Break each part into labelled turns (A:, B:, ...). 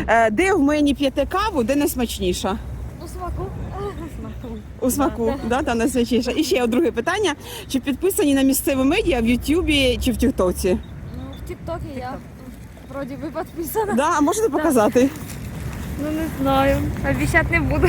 A: Де в мені п'єте каву, де найсмачніша?
B: У смаку.
A: У смаку, да, найсмачніша. І ще друге питання. Чи підписані на місцеві медіа в Ютубі чи в Тіктоці?
B: Ну, в ТикТоке я вроде бы подписана.
A: Да, а можете показати?
B: Ну, не знаю. Обещать не буду.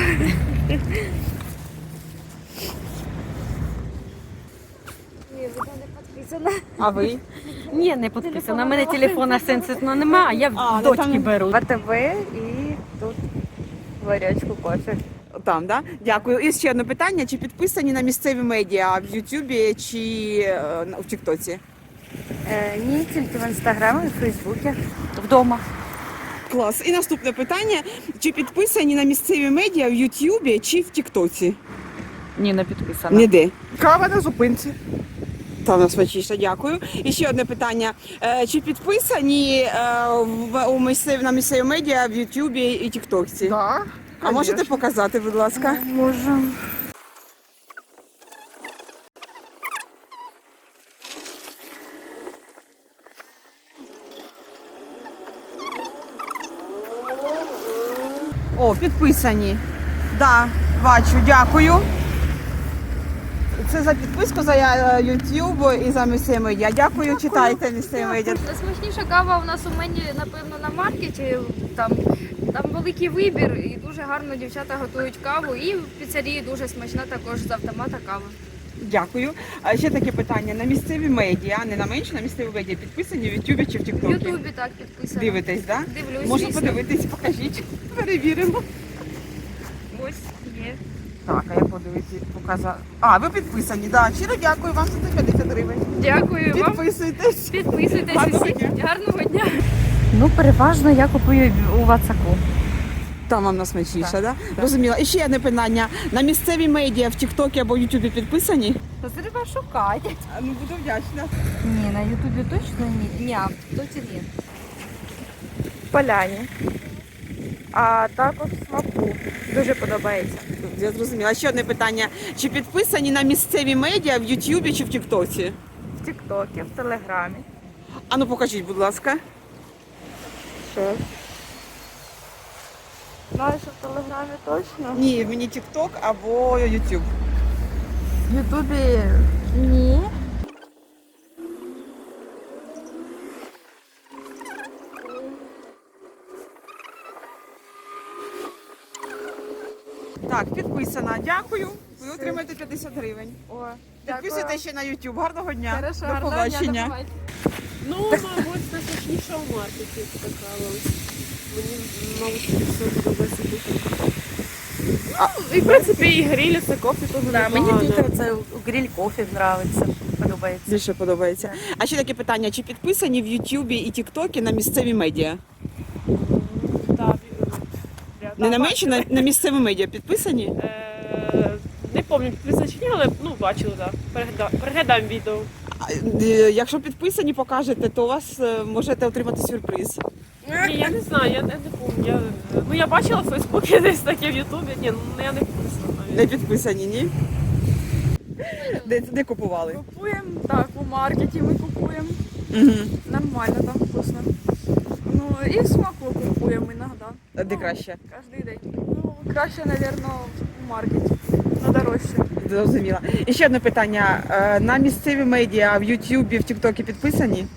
B: Ні, вона не підписана.
A: А ви?
C: Ні, не підписана. У мене телефона сенситного немає, а я в
A: ну,
C: дочки
A: там-
C: беру.
D: ВТВ і тут варячку кофе.
A: Там, да? Дякую. І ще одне питання. Чи підписані на місцеві медіа в Ютубі чи в Тіктоці?
D: Ні, тільки в інстаграмі, в Фейсбуці, вдома.
A: Клас. І наступне питання. Чи підписані на місцеві медіа в Ютубі чи в Тіктоці?
D: Ні, не підписана.
A: Ніде. Кава на зупинці. Та нас смачніше, дякую. І ще одне питання. Чи підписані на місцеві медіа в Ютубі і Тіктокці?
E: Да,
A: А можете показати, будь ласка?
D: Можу.
A: О, підписані. Да, бачу, дякую. Це за підписку за YouTube і за місцеві медіа. Дякую, читайте місцеві медіа.
B: Найсмачніша кава у нас у мені, напевно, на маркеті. Там великий вибір і дуже гарно дівчата готують каву. І в піцерії дуже смачна також з автомата кава.
A: Дякую. А ще таке питання. На місцеві медіа, не на менше, на місцеві медіа підписані в YouTube чи в
B: В
A: TikTok?
B: Ютубі так підписано.
A: Дивитесь, так? Да?
B: Дивлюсь,
A: Можу
B: звісно.
A: подивитись, покажіть. Перевіримо.
B: Ось є.
A: Так, а я подивитись, показати. А, ви підписані, так. Да. Щиро дякую вам за 150 гривень.
B: Дякую вам.
A: Підписуйтесь.
B: Підписуйтесь
A: Гарного
B: усі.
A: дня.
B: Гарного дня.
D: Ну, переважно я купую у Вацаку.
A: Там вам насмачніше, так? Да? Розуміла. І ще одне питання. На місцеві медіа в Тіктокі або Ютубі підписані?
D: То треба шукати.
A: Ну, буду вдячна.
D: Ні, на Ютубі точно ні. Ні, а в Тіктоці ні.
E: Поляні. А також смаку. Дуже подобається.
A: Я зрозуміла. Ще одне питання. Чи підписані на місцеві медіа в Ютубі чи в Тіктоці?
E: В Тіктокі, в Телеграмі.
A: А ну покажіть, будь ласка.
E: Що? Знаєш, що в Телеграмі точно?
A: Ні, мені Тікток або Ютуб.
E: В Ютубі ні.
A: Так, підписана. Дякую. Ви отримаєте 50 гривень.
E: О,
A: Підписуйтесь ще на YouTube. Гарного дня.
E: Хорошо,
A: До
E: гарного дня, до
A: побачення.
E: побачення.
F: Ну, мабуть, найсмачніша в маркеті така ось. Мені, мабуть, все подобається дуже. Ну, і в принципі і гриль, це кофе теж
D: Да, мені
F: непогано.
D: тут це гриль кофе подобається.
A: Більше подобається. А ще таке питання: чи підписані в Ютубі і Тіктокі на місцеві медіа?
F: Так,
A: Не на менше, на місцеві медіа підписані?
F: Не пам'ятаю, підписані чи ні, але бачили, так. Переглядам відео.
A: Якщо підписані, покажете, то у вас можете отримати сюрприз.
F: Ні, я не знаю, я не пам'ятаю. Я бачила в Фейсбуці десь таке в Ютубі. Ні, я не підписана навіть.
A: Не підписані, ні? Де купували?
E: Купуємо, так, у маркеті ми купуємо.
A: Угу.
E: Нормально, там вкусно. Ну, і в смаку купуємо іноді.
A: Де краще?
E: Кожен день. Ну, краще, мабуть, у маркеті. На дорожче.
A: Зрозуміла. І ще одне питання. На місцеві медіа в Ютубі, в Тіктокі підписані?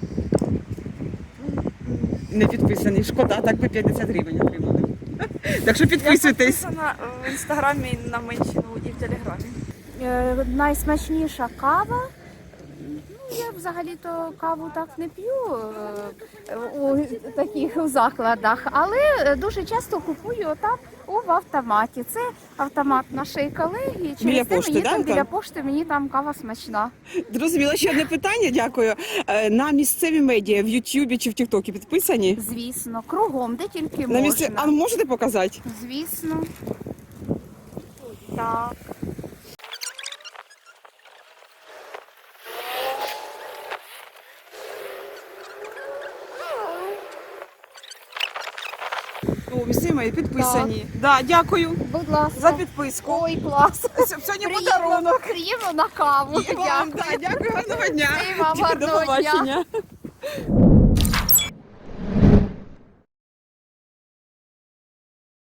A: Не підписані. Шкода, так би 50 гривень отримали. Так що підписуйтесь.
E: Я підписана в інстаграмі на Менщину і в Телеграмі.
G: Найсмачніша кава. Ну, я взагалі-то каву так не п'ю у таких закладах, але дуже часто купую там в автоматі. Це автомат нашої колеги.
A: Біля
G: Через те
A: пошти,
G: мені
A: да,
G: там
A: там?
G: біля пошти мені там кава смачна.
A: Зрозуміла. Ще одне питання, дякую. На місцеві медіа в Ютубі чи в Тіктокі підписані?
G: Звісно, кругом, де тільки
A: На
G: можна.
A: А можете показати?
G: Звісно. Так.
A: О, місцеві медіа підписані. Да, дякую
G: Будь ласка.
A: за підписку.
G: Ой, клас.
A: Сьогодні подарунок.
G: Приємно на каву.
A: І вам,
G: Дякую.
A: да, дякую, гарного дня.
G: І вам
A: До
G: гарного дня.
A: побачення.